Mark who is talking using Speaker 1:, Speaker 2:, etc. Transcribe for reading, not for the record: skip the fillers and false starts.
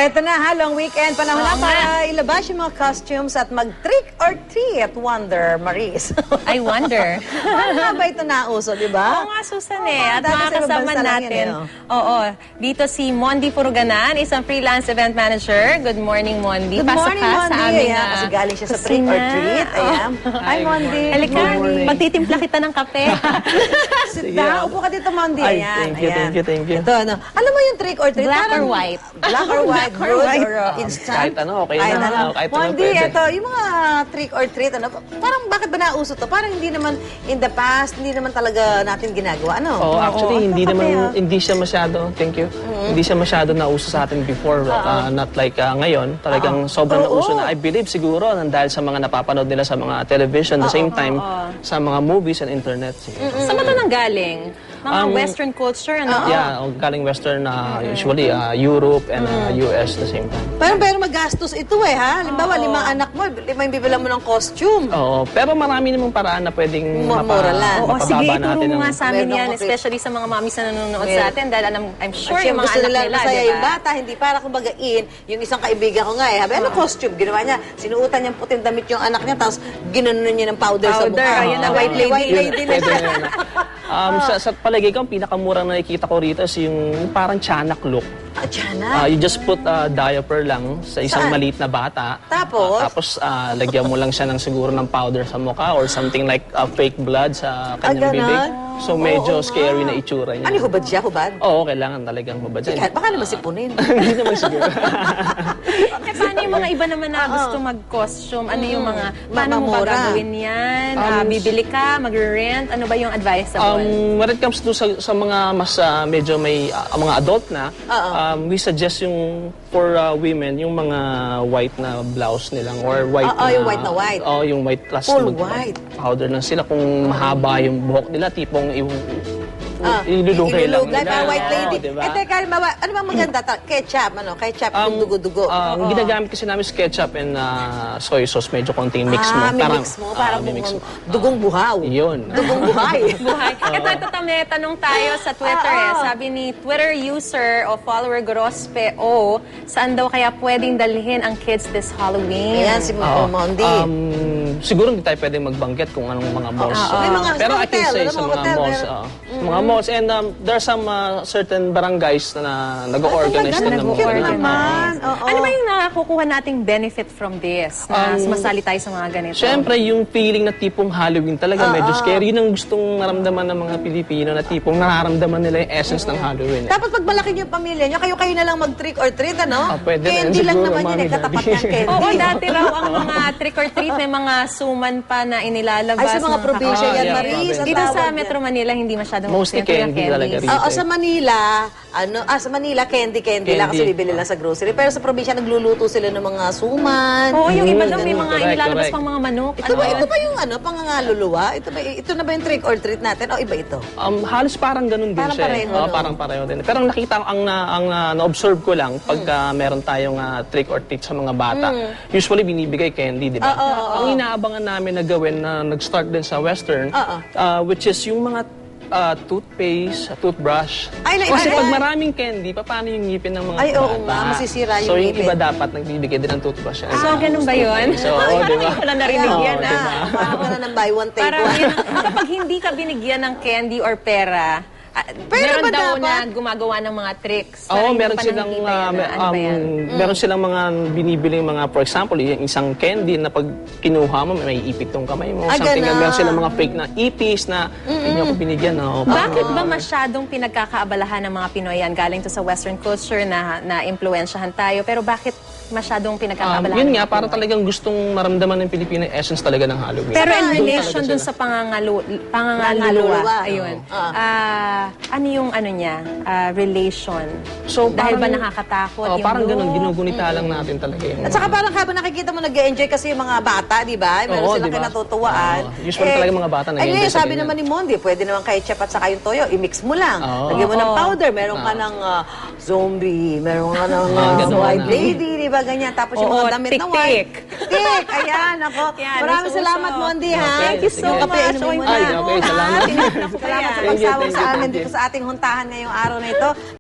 Speaker 1: Eto na ha, long weekend. Panahon na para ilabas yung mga costumes at mag-trick or treat, Wonder Maris.
Speaker 2: I wonder.
Speaker 1: Paano nga ba ito nauso, di ba?
Speaker 2: Oo nga, Susan At
Speaker 1: dati sa ibang
Speaker 2: makakasama
Speaker 1: bansa lang
Speaker 2: natin.
Speaker 1: yun,
Speaker 2: Oo. Dito si Mondi Furuganan, isang freelance event manager. Good morning, Mondi.
Speaker 1: Good
Speaker 2: Pasok
Speaker 1: morning,
Speaker 2: ka
Speaker 1: Mondi.
Speaker 2: sa aming
Speaker 1: Ayan, kasi galing siya sa trick or treat. Ayan. Hi, Mondi.
Speaker 2: Halika, magtitimpla kita ng kape.
Speaker 1: Sit down. Upo ka dito, Mondi.
Speaker 3: Ay,
Speaker 1: Ayan.
Speaker 3: thank you.
Speaker 1: Ito, ano. Alam mo yung trick or treat?
Speaker 2: Black
Speaker 1: Parang-
Speaker 2: or white?
Speaker 1: Black or white, good or instant?
Speaker 3: Kahit ano, okay
Speaker 1: Kahit
Speaker 3: na.
Speaker 1: ano.
Speaker 3: Kahit ano
Speaker 1: Mondi,
Speaker 3: pwede.
Speaker 1: ito, yung mga trick or treat, ano, parang bakit ba nauso to? Parang hindi naman, in the past, hindi naman talaga natin ginagawa, ano?
Speaker 3: Oh, actually, hindi
Speaker 1: Kape,
Speaker 3: naman,
Speaker 1: ah.
Speaker 3: hindi siya masyado, thank you, hindi siya masyado nauso sa atin before, not like ngayon. Talagang sobrang nauso na. I believe siguro, dahil sa mga napapanood nila sa mga television, the same time, sa mga movies and internet.
Speaker 2: Saan ba ito nanggaling? Mga Western culture, ano?
Speaker 3: Yeah, galing Western, usually Europe and US the same time.
Speaker 1: Pero magastos ito ha? Halimbawa, 5 anak mo, 5 yung bibilang mo ng costume.
Speaker 3: Oo, pero marami namang paraan na pwedeng
Speaker 1: Mura lang.
Speaker 2: Oo, sige,
Speaker 3: mapababa
Speaker 2: ituro
Speaker 3: natin
Speaker 2: mo
Speaker 3: ang...
Speaker 2: nga sa amin
Speaker 1: Meron
Speaker 2: yan,
Speaker 1: ako,
Speaker 2: especially sa mga mommies na nanonood sa atin, dahil I'm sure
Speaker 1: Sure,
Speaker 2: yung mga
Speaker 1: gusto
Speaker 2: anak
Speaker 1: nila
Speaker 2: nila,
Speaker 1: masaya
Speaker 2: di
Speaker 1: yung
Speaker 2: ba?
Speaker 1: bata, hindi para kumbaga yung isang kaibigan ko nga habi, ano costume? Ginawa niya, sinuutan niyang puting damit yung anak niya, tapos ginanon niya ng powder sa
Speaker 2: Powder,
Speaker 1: mukha.
Speaker 2: ayun na, white lady.
Speaker 1: White lady na
Speaker 3: Pwede
Speaker 1: siya.
Speaker 3: na yan. Sa palagay ko, ang pinakamurang nakikita ko rito is yung parang tiyanak look.
Speaker 1: Tiyanak?
Speaker 3: You just put a diaper lang sa isang
Speaker 1: Saan?
Speaker 3: maliit na bata.
Speaker 1: Tapos?
Speaker 3: Tapos lagyan mo lang siya ng siguro ng powder sa mukha or something like fake blood sa kanyang
Speaker 1: ganon?
Speaker 3: bibig. So medyo scary na itsura niya.
Speaker 1: Ano, hubad siya, hubad?
Speaker 3: Oo, kailangan talagang hubad siya.
Speaker 1: Baka naman sipunin.
Speaker 3: Hindi naman siguro.
Speaker 2: Paano yung mga iba naman na gusto mag-costume? Ano yung mga, paano mo ba
Speaker 1: Mamamura.
Speaker 2: gagawin yan? Bibili ka, mag-rent? Ano ba yung advisable?
Speaker 3: When it comes to sa mga mas medyo may mga adult na, we suggest yung for women yung mga white na blouse nilang or white
Speaker 1: yung white na white.
Speaker 3: Oh, yung white plus
Speaker 1: Full white.
Speaker 3: powder lang sila kung mahaba yung buhok nila tipong ilulugay lang
Speaker 1: Ilulugay,
Speaker 3: nila.
Speaker 1: para white lady.
Speaker 3: Oo, diba?
Speaker 1: Teka, halimbawa, ano bang maganda? Ketchup, Ketchup, yung dugo-dugo.
Speaker 3: Ang ginagamit kasi namin is ketchup and soy sauce, medyo konting mix mo.
Speaker 1: May mix mo, parang
Speaker 3: may mix mo.
Speaker 1: dugong buhaw.
Speaker 3: Yun.
Speaker 1: Dugong buhay.
Speaker 2: Buhay. Ito, may tanong tayo sa Twitter Sabi ni Twitter user o follower Grospe O, saan daw kaya pwedeng dalhin ang kids this Halloween?
Speaker 1: Ayan, si Mondi.
Speaker 3: Siguro hindi tayo pwedeng magbanggit kung anong mga malls.
Speaker 1: May mga
Speaker 3: Pero I can
Speaker 1: hotel,
Speaker 3: say
Speaker 1: alam
Speaker 3: sa
Speaker 1: mo,
Speaker 3: mga
Speaker 1: hotel,
Speaker 3: malls. Mga malls. And there are some certain barangays na nag-organize
Speaker 1: talaga?
Speaker 3: na ng
Speaker 1: Cute
Speaker 3: mga
Speaker 1: naman. Oo.
Speaker 2: Ano ba yung nakukuha nating benefit from this? Na masali tayo sa mga ganito?
Speaker 3: Siyempre, yung feeling na tipong Halloween talaga, medyo scary. Yun ang gustong maramdaman ng mga Pilipino na tipong nararamdaman nila yung essence ng Halloween.
Speaker 1: Dapat pag malaki yung pamilya nyo, kayo na lang mag-trick or treat, ano?
Speaker 3: Pwede na
Speaker 1: Candy
Speaker 3: yun
Speaker 1: lang
Speaker 3: siguro,
Speaker 1: naman yun,
Speaker 3: Mami,
Speaker 1: katapat
Speaker 3: Daddy.
Speaker 1: ng candy.
Speaker 2: Oo, dati raw ang mga trick or treat may mga suman pa na inilalabas.
Speaker 1: Ay, sa mga probinsya yan,
Speaker 3: yeah,
Speaker 1: Maris.
Speaker 3: province.
Speaker 1: ang
Speaker 2: Dito sa
Speaker 1: tawag yan.
Speaker 2: Metro Manila, hindi masyadong
Speaker 3: Mostly
Speaker 2: uso yung
Speaker 3: candy talaga
Speaker 2: candies.
Speaker 3: rin.
Speaker 1: Oo, sa Manila, sa Manila, candy lang kasi
Speaker 3: Candy.
Speaker 1: bibili lang sa grocery. Pero sa probinsya, nagluluto sila ng mga suman.
Speaker 2: Oo, yung iba daw may mga
Speaker 3: Correct,
Speaker 2: inilalabas
Speaker 3: correct.
Speaker 2: pang mga manok.
Speaker 1: Ito ba yung pangangaluluwa? Ito na ba yung trick or treat natin? O iba ito?
Speaker 3: Halos parang ganun din
Speaker 1: Parang
Speaker 3: siya.
Speaker 1: pareho,
Speaker 3: Oo,
Speaker 1: no?
Speaker 3: parang pareho din. Pero ang nakita ko, ang na-observe ko lang, pagka meron tayong trick or treat sa mga bata, usually binibigay candy, di ba? Ang inaabangan namin na gawin na nag-start din sa Western, which is yung mga toothpaste, toothbrush. Kasi pag maraming candy, paano yung ngipin ng mga
Speaker 1: Ay,
Speaker 3: bata?
Speaker 1: oo nga, masisira yung
Speaker 3: So yung
Speaker 1: ngipin.
Speaker 3: iba dapat nagbibigay din ng toothbrush.
Speaker 2: So, ganun ba yun?
Speaker 3: So, oo, di ba?
Speaker 2: Parang wala narinig
Speaker 1: Oo,
Speaker 2: yan,
Speaker 1: diba? Parang ka na ng buy one, take
Speaker 2: Parang
Speaker 1: one.
Speaker 2: yun, kapag hindi ka binigyan ng candy or pera,
Speaker 1: Pera
Speaker 2: meron
Speaker 1: ba
Speaker 2: daw
Speaker 1: dapat?
Speaker 2: na gumagawa ng mga tricks.
Speaker 3: Oo,
Speaker 2: Parang
Speaker 3: meron
Speaker 2: hindi pa
Speaker 3: silang
Speaker 2: nakikita yan, ano ba yan?
Speaker 3: meron silang mga binibiling mga, for example, yung isang candy na pag kinuha mo may ipit tong kamay mo. Something
Speaker 1: ganon.
Speaker 3: meron silang mga fake na ipis na hindi ako binigyan. No?
Speaker 2: Bakit ba masyadong pinagkakaabalahan ng mga Pinoy yan? Galing to sa Western culture na impluensyahan tayo, pero bakit masyadong pinagkakaabalahan?
Speaker 3: Yun
Speaker 2: ng
Speaker 3: nga,
Speaker 2: mga
Speaker 3: para
Speaker 2: Pinoy?
Speaker 3: talagang gustong maramdaman ng Pilipino yung essence talaga ng Halloween.
Speaker 2: Pero in
Speaker 3: Doon
Speaker 2: relation
Speaker 3: talaga
Speaker 2: dun
Speaker 3: sila.
Speaker 2: sa
Speaker 1: Pangangaluluwa,
Speaker 2: pangangaluluwa, ayun.
Speaker 1: oo.
Speaker 2: Ano yung ano niya, relation?
Speaker 3: So,
Speaker 2: Dahil ba
Speaker 3: parang-
Speaker 2: nakakatakot
Speaker 3: Oh,
Speaker 2: yung
Speaker 3: parang
Speaker 2: look?
Speaker 3: ganun, ginugunita lang natin talaga yun.
Speaker 1: At saka parang habang nakikita mo nag-enjoy kasi yung mga bata, di ba? Meron
Speaker 3: Oo,
Speaker 1: silang
Speaker 3: di ba?
Speaker 1: kinatutuwaan.
Speaker 3: Oo. Usually talaga mga bata
Speaker 1: Ay,
Speaker 3: nag-enjoy
Speaker 1: ngayon,
Speaker 3: sa
Speaker 1: sabi
Speaker 3: ganyan.
Speaker 1: naman ni Mondi, pwede naman ketchup at saka yung toyo, i-mix mo lang.
Speaker 3: Oo.
Speaker 1: Lagyan mo ng
Speaker 2: Oo.
Speaker 1: powder, meron ka ng zombie, meron ka ng
Speaker 3: ganun
Speaker 1: white
Speaker 3: na.
Speaker 1: lady, di ba? Ganyan. Tapos yung
Speaker 2: Oo,
Speaker 1: mga damit na white. Tik, ayan, ako.
Speaker 2: Yan,
Speaker 1: Maraming
Speaker 2: uso-uso.
Speaker 1: salamat, Mondi, ha?
Speaker 3: Okay,
Speaker 2: Thank you so
Speaker 3: sige.
Speaker 1: Kape,
Speaker 2: much.
Speaker 1: inumin mo
Speaker 2: Oy,
Speaker 1: na.
Speaker 3: Ay, okay, salamat.
Speaker 2: Tinapos ko pa
Speaker 1: Salamat
Speaker 2: yan.
Speaker 1: sa
Speaker 3: Thank you,
Speaker 1: pagsawag
Speaker 3: thank
Speaker 1: sa
Speaker 3: you,
Speaker 1: amin
Speaker 3: thank you.
Speaker 1: dito sa ating huntahan ngayong araw na ito.